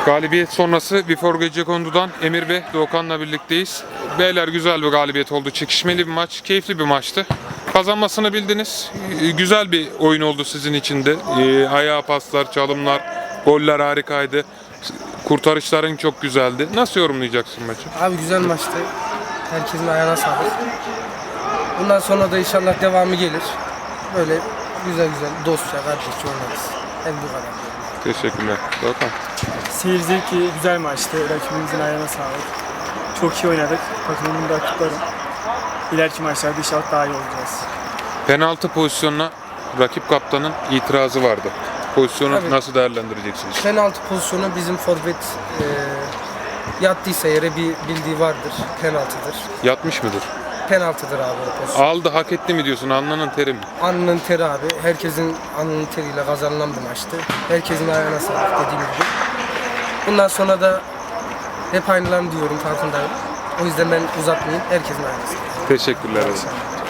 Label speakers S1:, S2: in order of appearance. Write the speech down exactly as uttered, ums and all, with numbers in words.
S1: Galibiyet sonrası Before Gecekondu'dan Emir ve Doğukan'la birlikteyiz. Beyler, güzel bir galibiyet oldu. Çekişmeli bir maç, keyifli bir maçtı. Kazanmasını bildiniz. Ee, Güzel bir oyun oldu sizin için de. Ee, Ayağa paslar, çalımlar, goller harikaydı. Kurtarışların çok güzeldi. Nasıl yorumlayacaksın maçı?
S2: Abi güzel maçtı. Herkesin ayağına sağlık. Bundan sonra da inşallah devamı gelir. Böyle güzel güzel dostça, kardeşçe oynarız. Hem bu kadar.
S1: Teşekkürler. Doğukan.
S3: Seyir zevki güzel maçtı. Rakibimizin ayağına sağlık. Çok iyi oynadık. Takımımın da kutlarım. İleriki maçlarda inşallah daha iyi olacağız.
S1: Penaltı pozisyonuna rakip kaptanın itirazı vardı. Pozisyonu
S2: Tabii.
S1: nasıl değerlendireceksiniz?
S2: Penaltı pozisyonu bizim forvet e, yattıysa yere bir bildiği vardır. Penaltıdır.
S1: Yatmış mıdır?
S2: Penaltıdır abi o pozisyon.
S1: Aldı, hak etti mi diyorsun? Alnının teri mi?
S2: Alnının teri abi. Herkesin alnının teriyle kazanılan bir maçtı. Herkesin ayağına sağlık dediğim gibi. Bundan sonra da hep aynılarını diyorum, farkındayım. O yüzden ben uzatmayayım. Herkesin ayağına sağlık.
S1: Teşekkürler.
S2: İnşallah.